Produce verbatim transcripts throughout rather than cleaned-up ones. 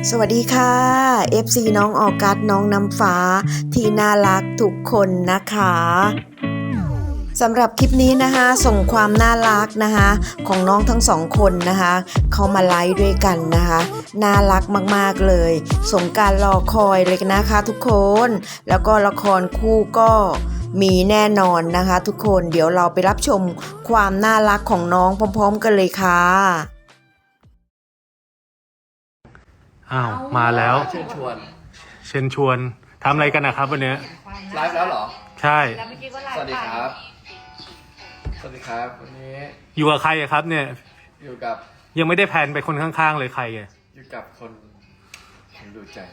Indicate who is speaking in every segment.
Speaker 1: สวัสดีค่ะ เอฟ ซี น้องออกัสน้องน้ำฟ้าที่น่ารักทุกคนนะคะสำหรับคลิปนี้นะคะส่งความน่ารักนะคะของน้องทั้งสองคนนะคะเขามาไลฟ์ด้วยกันนะคะน่ารักมากๆเลยสงกรานต์รอคอยเลยนะคะทุกคนแล้วก็ละครคู่ก็มีแน่นอนนะคะทุกคนเดี๋ยวเราไปรับชมความน่ารักของน้องพร้อมๆกันเลยค่ะ
Speaker 2: อ้าวมาแล้ว
Speaker 3: เชิญชวน
Speaker 2: เชิญชวนทำอะไรกันนะครับวันนี้
Speaker 3: ไลฟ์แล้วเหรอ
Speaker 2: ใช่
Speaker 3: สวัสดีครับสวัสดีครับวันนี้
Speaker 2: อยู่กับใครอะครับเนี่ย
Speaker 3: อยู่กับ
Speaker 2: ยังไม่ได้แพลนไปคนข้างๆเลยใครอะ
Speaker 3: อยู่กับคนคนดูใจ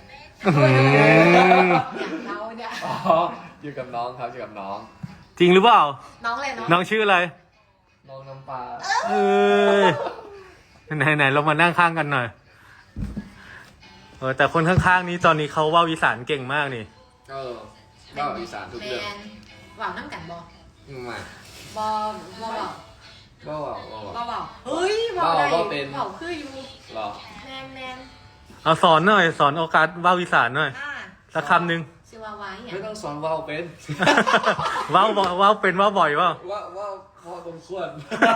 Speaker 4: เราเนี่ย
Speaker 3: อ๋ออยู่กับน้องครับอยู่กับน้อง
Speaker 2: จริงหรือเปล่า
Speaker 4: น้องอะไรเนาะ
Speaker 2: น้องชื่ออะไร
Speaker 3: น้องน้ำปลา
Speaker 2: เออไหนไหนเรามานั่งข้างกันหน่อยเออแต่คนข้างๆนี้ตอนนี้เขาว่าวิสานเก่งมากนี่
Speaker 3: เออว่าอีสานทุกเรื่อง
Speaker 4: ว่าวน้ำกันบอ
Speaker 3: ไม่
Speaker 4: บอบอ
Speaker 3: ว่าว่าว่า
Speaker 4: บอบอเฮ้ยบอได้บอคืออยู่
Speaker 3: หรอ
Speaker 4: แมนแมน
Speaker 2: เอาสอนหน่อยสอนโอกาสว่าวิสานหน่อยสักคำหนึ่ง
Speaker 4: ชื่อว่าไว้
Speaker 3: ไม่ต้องสอนว่าเป็น
Speaker 2: ว่าว่าเป็นว่าบ่อยว่า
Speaker 3: ว่าว่าว่าตรงส่วน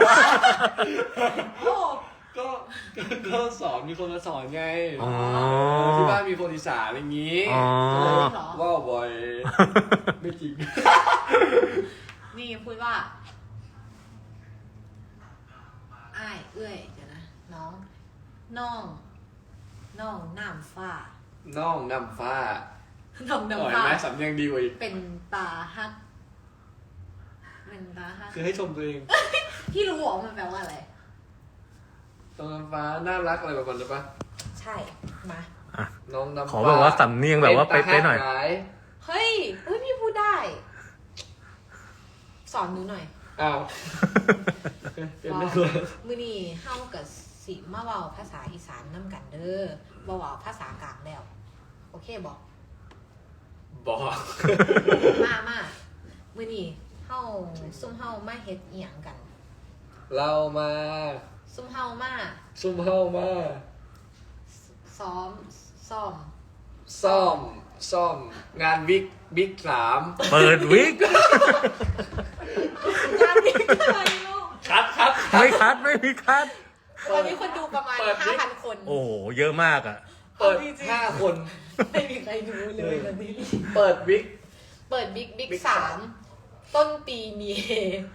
Speaker 3: ก็ก็สอนมีคนมาสอนไงที่บ้านมีคนอีสานอะไรอย่างนี้ว่าบ่อยไม่จริง
Speaker 4: นี่พูดว่าอ้ายเอื้อยเดี๋ยวนะน้องน้องน้องน้ำฟ้า
Speaker 3: น้องน้ำฟ้า
Speaker 4: น้องน้ำฟ้า
Speaker 3: ไหมสำเนียงดีกว่าอีก
Speaker 4: เป็นตาฮักเป็นตาฮัก
Speaker 3: คือให้ชมตัวเอง
Speaker 4: พี่รู้หรอมันแปลว่าอะไร
Speaker 3: น้องน้ำฟ้าน่ารักอะไรแบบนั้นหรือปะ
Speaker 4: ใช่มา
Speaker 3: น้องน้ำฟ้า
Speaker 2: ขอแบบว่าสำเนียงแบบว่าเป๊ะๆหน่อย
Speaker 4: เฮ้ยเฮ้ยพี่พูดได้สอนหนูหน่อย
Speaker 3: อ้าวเป็นไม่เคย
Speaker 4: มือนี่เฮากับสิมาเว้าภาษาอีสานนำกันเด้อบ่เว้าภาษากลางแล้วโอเคบ่
Speaker 3: บอก
Speaker 4: มามามือนี่เฮาซุ่มเฮามาเฮ็ดอีหยังกัน
Speaker 3: เรามา
Speaker 4: ซุ่มเฮามา
Speaker 3: ซุ่มเฮามา
Speaker 4: ซ้อมซ้อม
Speaker 3: ซ่อมซ่อมงานบิ๊กบิ๊กสาม
Speaker 2: เปิดวิก
Speaker 4: งานบิ๊กอะไรลูก
Speaker 3: คัดคัด
Speaker 2: ไม่คัดไม่มีคัด
Speaker 4: วันนี้คนดูประมาณ ห้าพัน คน
Speaker 2: โอ้เยอะมากอ่ะ
Speaker 3: เปิดห้าคน
Speaker 4: ไม่มีใครดูเลยวันนี้
Speaker 3: เปิดบิ๊ก
Speaker 4: เปิดบิ๊กบิ๊กสามต้นปีมีเฮ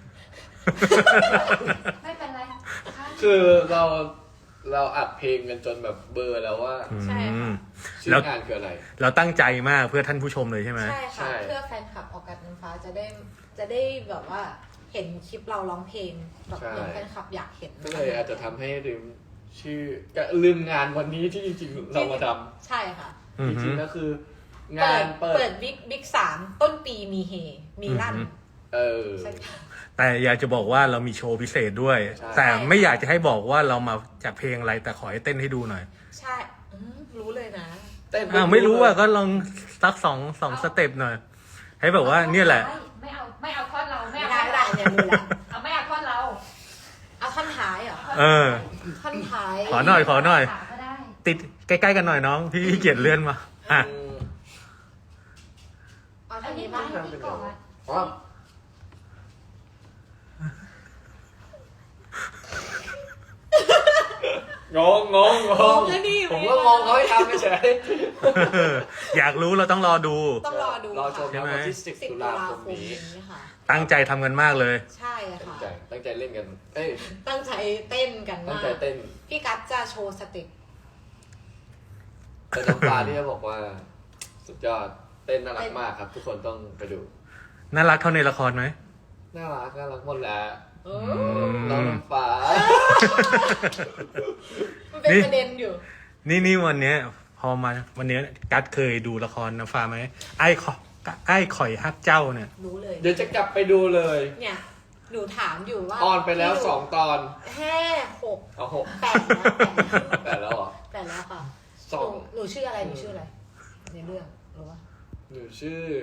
Speaker 4: ไม่เป็นไร
Speaker 3: คือเราเราอัดเพลงกันจนแบบเบอร์แล้วว่า
Speaker 4: ใช่ค่ะ
Speaker 3: ชื่องานคืออะไร
Speaker 2: เราตั้งใจมากเพื่อท่านผู้ชมเลยใช่ไหม
Speaker 4: ใช่ค่ะเพื่อแฟนคลับออกกัสน้ำฟ้าจะได้จะได้แบบว่าเห็นคลิปเราร้องเพลงแบบอย่างแฟนคลับอยากเห็น
Speaker 3: ก็เลยอาจจะทำให้ลืมชื่อก็ลืมงานวันนี้ที่จริงๆเรามาท
Speaker 4: ำใช่ค่ะ
Speaker 3: จริงๆก็คืองาน
Speaker 4: เปิดบิ๊กบิ๊กสามต้นปีมีเฮมีลั่น
Speaker 3: เออ
Speaker 2: แต่อยากจะบอกว่าเรามีโชว์พิเศษด้วยแต่ไม่อยากจะให้บอกว่าเรามาจากเพลงอะไรแต่ขอให้เต้นให้ดูหน่อย
Speaker 4: ใช่รู้เลยนะ
Speaker 3: เต้น
Speaker 2: อ้าวไม่รู้อ่ะก็ลองสักสองสองสเต็ปหน่อยให้แบบว่าเนี่ยแหละ
Speaker 4: ไม่เอาไม่เอาท่อนเราไม่เอาท่อนเราเนี่ยดูแลเอาไม่เอาท่อนเราเอาท่อนท้ายเหรอ
Speaker 2: เออ
Speaker 4: ท่อนท้าย
Speaker 2: ขอหน่อยขอหน่อยติดใกล้ๆกันหน่อยน้องพี่เกียรติเลื่อนมาอ่ะ
Speaker 4: เอาท่อนนี้บ้าง
Speaker 3: อ๋อ งงงงงงผมก็งงเขาให้ทำเฉย
Speaker 2: อยากรู้เราต้องรอดู
Speaker 4: ต้องรอดู
Speaker 3: รอชมวันที่สิบตุลาคมนี้
Speaker 2: ตั้งใจทำกันมากเลย
Speaker 4: ใช่ค่ะ
Speaker 3: ตั้งใจเล่นกันเอ้ย
Speaker 4: ตั้งใจเต้นกันมาก
Speaker 3: ตั้งใจเต้น
Speaker 4: พี่กัสจะโชว์สเต็ป
Speaker 3: แต่น้ำตาที่เขาบอกว่าสุดยอดเต้นน่ารักมากครับทุกคนต้องไปดู
Speaker 2: น่ารักเท่าในละครไหม
Speaker 3: น่ารักน่ารักหมดแหละน้องน้ำฟ้า
Speaker 4: มันเป็นประเด็นอยู่
Speaker 2: นี่นี่วันเนี้ยพอมาวันเนี้ยกัสเคยดูละครน้ำฟ้าไหมไอ้ขอไอ้ข่อยฮักเจ้าเนี่ย
Speaker 4: รู้เลย
Speaker 3: เดี๋ยวจะกลับไปดูเลย
Speaker 4: เนี่ยหนูถามอยู่ว่า
Speaker 3: ออนไปแล้วสองตอน
Speaker 4: แค่หก
Speaker 3: เอาหก
Speaker 4: แปดแล้ว
Speaker 3: แปดแล้วเหรอ
Speaker 4: แปดแล้วค่ะ
Speaker 3: สอง
Speaker 4: หนูชื่ออะไรหนูชื่ออะไรในเรื่องรู้ป่ะ
Speaker 3: หนูชื่อ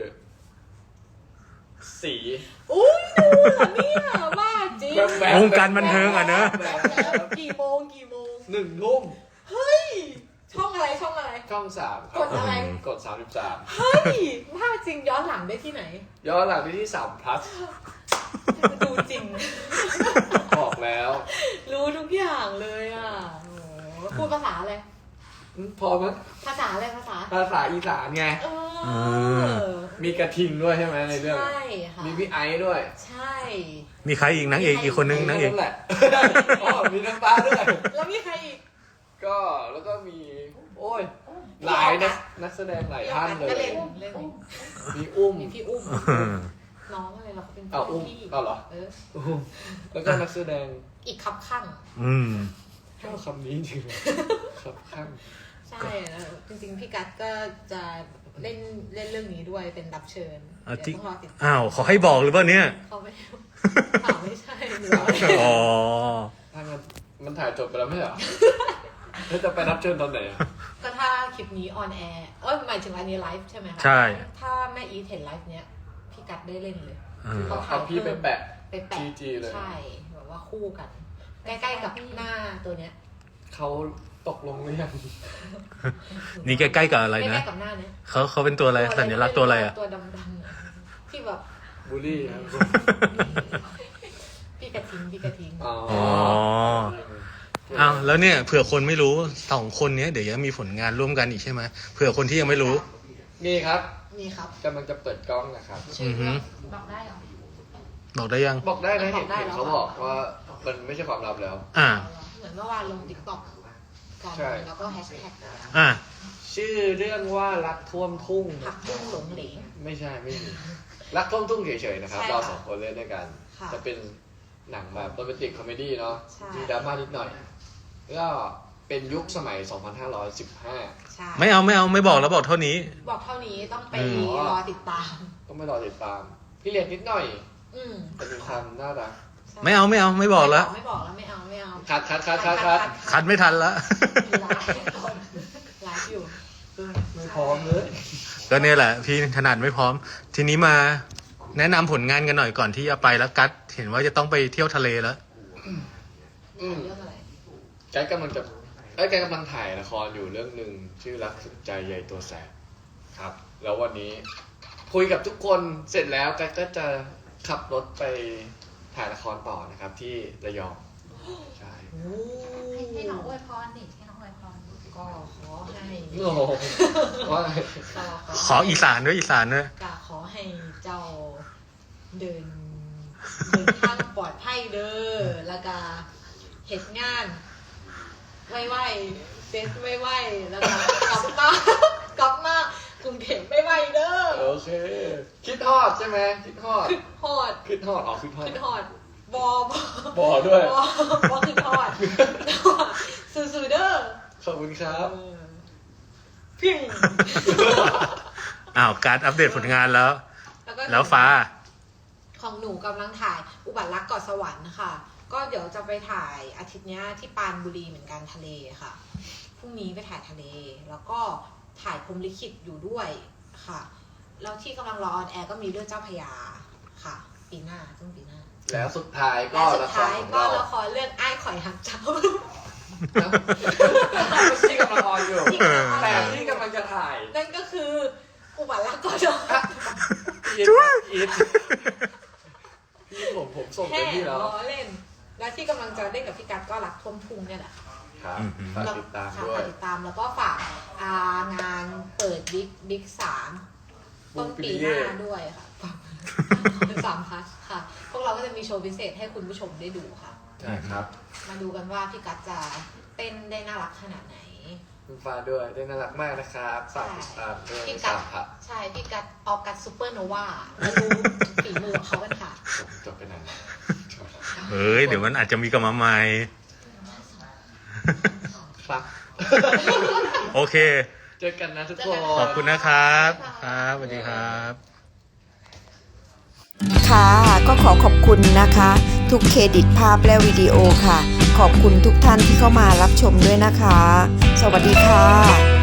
Speaker 3: สี
Speaker 4: อุ้ยดูเหรอเนี่ยบ้าจริง
Speaker 2: วงการบันเทิงอ่ะเนอะ
Speaker 4: กี่โมงกี่โมง
Speaker 3: หนึ่งทุ่ม
Speaker 4: เฮ้ยช่องอะไรช่องอะไร
Speaker 3: ช่องสามครั
Speaker 4: กดอะไร
Speaker 3: กดสามสิบสาม
Speaker 4: เฮ้ยถ้าจริงย้อนหลังได้ที่ไหน
Speaker 3: ย้อนหลังไปที่สาม plus
Speaker 4: ดูจริง
Speaker 3: บอกแล้ว
Speaker 4: รู้ทุกอย่างเลยอ่ะโอ้โหพูดภาษาอะไร
Speaker 3: อืมพอมั้ย
Speaker 4: ภาษาอะไรภาษา
Speaker 3: ภาษาอีสานไง
Speaker 4: เออ
Speaker 3: มีกระทิงด้วยใช่ไหมในเรื่อง
Speaker 4: ใช่ค่ะ
Speaker 3: มีพี่ไอซ์ด้วย
Speaker 4: ใช่
Speaker 2: มีใครอีกนางเอกอีกคนนึงนางเอก
Speaker 3: แหละ อ๋อมีน้ำตาด้วย
Speaker 4: แล้วมีใครอีก
Speaker 3: ก็แล้วก็มี โอ้ย หลายนักนักแสดงหลายท่านเล
Speaker 4: ก็
Speaker 3: ย
Speaker 4: เล่นเล่น
Speaker 3: มีอุ้ม
Speaker 4: มีพี่อุ้ม น้องอะไรเราเป็น
Speaker 3: อ้าวอุ้ม
Speaker 4: พี่
Speaker 3: อ้าวเหรอ
Speaker 4: เออ
Speaker 3: อุ้มแล้วก็นักแสดง
Speaker 4: อีกคับข้าง
Speaker 2: อืม
Speaker 3: ชอบคำนี้จริงๆครับข้าง
Speaker 4: ใช่แล้วจริงๆพี่กัสก็จะเล่นเล่นเรื่องนี้ด้วยเป็นรับเชิญ
Speaker 2: อ่ะ
Speaker 4: เดี๋ยว
Speaker 2: ที่
Speaker 4: ต้องรอติดตาม
Speaker 2: อ้าวเขาให้บอกหรือเปล่าเนี่ย
Speaker 4: เขาไม่ข่าวไม่ใช่หรือว่า
Speaker 2: อ๋อ
Speaker 3: ถ้ามันมันถ่ายจบไปแล้วไม่เหรอ แล้วจะไปรับเชิญตอนไหนอะ
Speaker 4: ก็ถ้าคลิปนี้ออนแอร์เอ้ยหมายถึงอันนี้ไลฟ์ใช่ไหมคะ
Speaker 2: ใช่
Speaker 4: ถ้าแม่อีทเห็นไลฟ์เนี้ยพี่กัสได้เล่นเลย
Speaker 2: อืม
Speaker 4: เขาถ่า
Speaker 3: เอา
Speaker 4: ย
Speaker 3: พี่ไปแปะ
Speaker 4: ไปแปะ
Speaker 3: จีจีเลย
Speaker 4: ใช่แบบว่าคู่กัน ใกล้ๆกับหน้าตัวเนี้ย
Speaker 3: เขาตกลงหรือยัง
Speaker 2: นี่ใกล้ๆกับอะไร
Speaker 4: ใก
Speaker 2: นะ
Speaker 4: ล้ๆกับหน้าเนี้ย
Speaker 2: เขาเขาเป็นตัวอะไรสัญลักษณ์ตัวอะไรอ่ะ
Speaker 4: ตัวดำๆอะที่แบบ
Speaker 3: บูลลี่ครับ
Speaker 4: พี่กระทิงพี่กระทิง
Speaker 3: อ๋อ
Speaker 2: อ๋อ อ้าวแล้วเนี่ยเผื่อคนไม่รู้สองคนเนี้ยเดี๋ยวจะมีผลงานร่วมกันอีกใช่ไหมเผื่อคนที่ยังไม่รู้
Speaker 3: นี่ครับ
Speaker 4: นี่ครับ
Speaker 3: กำลังจะเปิดกล้องนะครับ
Speaker 4: ชื่อเรื่องบอกได้เหรอ
Speaker 2: บอกได้ยัง
Speaker 3: บอกได้นะ
Speaker 4: บ
Speaker 3: เห็
Speaker 4: อน กได้
Speaker 3: เห็น
Speaker 4: แล้ว
Speaker 3: เขาบอกว่ามันไม่ใช่ความลับแล้ว
Speaker 2: อ่า
Speaker 4: เหมือนเมื่อวานลงติ๊กต็อกกัน
Speaker 3: ใช่
Speaker 4: แล้วก็แฮชแท็ก
Speaker 2: อ่า
Speaker 3: ชื่อเรื่องว่ารักท่วมทุ่ง
Speaker 4: ผักบุ้งหลงเหลง
Speaker 3: ไม่ใช่ไม่มีรักท่วมทุ่งเฉยๆนะครับ
Speaker 4: ใช่
Speaker 3: เรา
Speaker 4: ค่ะ
Speaker 3: สองคนเล่นด้วยกัน
Speaker 4: ค่ะ
Speaker 3: จะเป็นหนังแบบโรแมนติกคอมเมดี้เนาะ
Speaker 4: ใช่
Speaker 3: มีดราม่านิดหน่อยก็เป็นยุคสมัย สองพันห้าร้อยสิบห้า
Speaker 4: ใช่
Speaker 2: ไม่เอาไม่เอาไม่บอกแล้วบอกเท่านี้
Speaker 4: บอกเท่านี้ต้องไป
Speaker 2: อืม
Speaker 4: รอติดตาม
Speaker 3: ต้องไปรอติดตาม พี่เรียนนิดหน่อย
Speaker 4: อืม
Speaker 3: แต่มีความน่ารัก
Speaker 4: ใช่
Speaker 2: ไม่เอาไม่เอาไม่บอกแล้ว
Speaker 4: ไม่บอกแล้วไม่เอาไม่เอา
Speaker 3: คัดคัดคัดคัดคัด
Speaker 2: คัดไม่ทันละ
Speaker 4: มีไลฟ์ก่อนไลฟ์อยู่
Speaker 3: ไม่พร้อมเลย
Speaker 2: ก็เนี่ยแหละ พี่ถนัดไม่พร้อม ทีนี้มาแนะนำผลงานกันหน่อยก่อนที่จะไปแล้วกัดเห็นว่าจะต้องไปเที่ยวทะเลแล้ว
Speaker 3: อืม
Speaker 4: เรื่องอะไร
Speaker 3: ไกด์กำลังจะไอ้ยไกด์กำลังถ่ายละครอยู่เรื่องหนึ่งชื่อรักสุดใจใยตัวแสบครับ แล้ววันนี้คุยกับทุกคนเสร็จแล้วไกด์ก็จะขับรถไปถ่ายละครต่อนะครับ ที่ระยองใช่
Speaker 4: โอ้
Speaker 5: ให้ให้น้องอวยพรดิให้น้องอวยพร
Speaker 4: ก็ขอให้
Speaker 3: โอ้โหว่า
Speaker 4: ก็
Speaker 2: ขออีสานด้วยอีสานด้วย
Speaker 4: ก็ขอให้เจ้าเดินเดินทางปลอดภัยเด้อแล้วก็เหตุงานไวๆเซตไวๆแล้วก็กลับมากลับมากรุงเทพไม่ไหวเด้อ
Speaker 3: โอเค คิดฮอดใช่ไหมคิดฮอด
Speaker 4: ขึ้นฮอด
Speaker 3: คิดฮอดอ๋อคิดฮอด
Speaker 4: ขึ้นฮอดบอบอบ
Speaker 3: อด้วย
Speaker 4: บอบอขึ้นฮอดสู้ๆเด้อ
Speaker 3: ขอบคุณครับ
Speaker 4: เออพิ้ง
Speaker 2: อ้าวการดอัปเดตผลงานแล้ว
Speaker 4: ก็
Speaker 2: แล้วฟ้า
Speaker 4: ของหนูกำลังถ่ายอุบัติรักเกาะสวรรค์ค่ะ ก็เดี๋ยวจะไปถ่ายอาทิตย์เนี้ยที่ปรานบุรีเหมือนกันทะเลค่ะ พรุ่งนี้ไปถ่ายทะเล แล้วก็ถ่ายพรหมลิขิตอยู่ด้วยค่ะ แล้วที่กำลังรอออนแอร์ก็มีเรื่องเจ้าพระยาค่ะ ปีหน้าต้นปีหน้า
Speaker 3: แล้วสุดท้ายก็
Speaker 4: และสุ
Speaker 3: ละ
Speaker 4: ด
Speaker 3: คร
Speaker 4: ท้าย
Speaker 3: ของ
Speaker 4: ก็
Speaker 3: เรา
Speaker 4: ละครเรื่องอ้ายข่อยหักเจ้า
Speaker 3: ที่กำลังออนอยู่
Speaker 4: ที่กำลังออน
Speaker 3: แต่ที่กำลังจะถ่าย
Speaker 4: นั่นก็คืออุบัติรักเกาะสวรรค์
Speaker 3: อีทอีทพี่ผมผมส่งไป
Speaker 4: แค่
Speaker 3: ที่แล้ว
Speaker 4: ล้อเล่น และที่กำลังจะเล่นกับพี่กัดก็รักท่วมทุ่งเนี่ยแหละ
Speaker 3: ครับ
Speaker 2: อืม
Speaker 3: ฝากติดตาม
Speaker 4: ค่ะ
Speaker 3: ด้วย
Speaker 4: ฝากติดตามแล้วก็ฝากอ่างานเปิดบิ๊กบิ๊กสามต้นปีหน้าด้วยค่ะ สามพัทค่ะ พวกเราก็จะมีโชว์พิเศษให้คุณผู้ชมได้ดูค่ะ
Speaker 3: ใช่ครับ
Speaker 4: มาดูกันว่าพี่กัดจะเต้นได้น่ารักขนาดไหน
Speaker 3: คุณฟ้าด้วยได้น่ารักมากนะครับฝากติดตามด้วย
Speaker 4: พี่กัด
Speaker 3: สามพัท
Speaker 4: ใช่พี่กัดออกกัดซูเปอร์โนวามาดูฝีมือของเขากันค่ะ
Speaker 3: จบจบไปไหน
Speaker 2: เฮ้ย เดี๋ยวมันอาจจะมีกลับมาใหม่
Speaker 3: ครับ
Speaker 2: โอเค
Speaker 3: เจอกันนะทุกคน
Speaker 2: ขอบคุณนะครับ ครับสวัสดีครับ
Speaker 1: ค่ะก็ขอขอบคุณนะคะ ทุกเครดิตภาพและวิดีโอค่ะ ขอบคุณทุกท่านที่เข้ามารับชมด้วยนะคะ สวัสดีค่ะ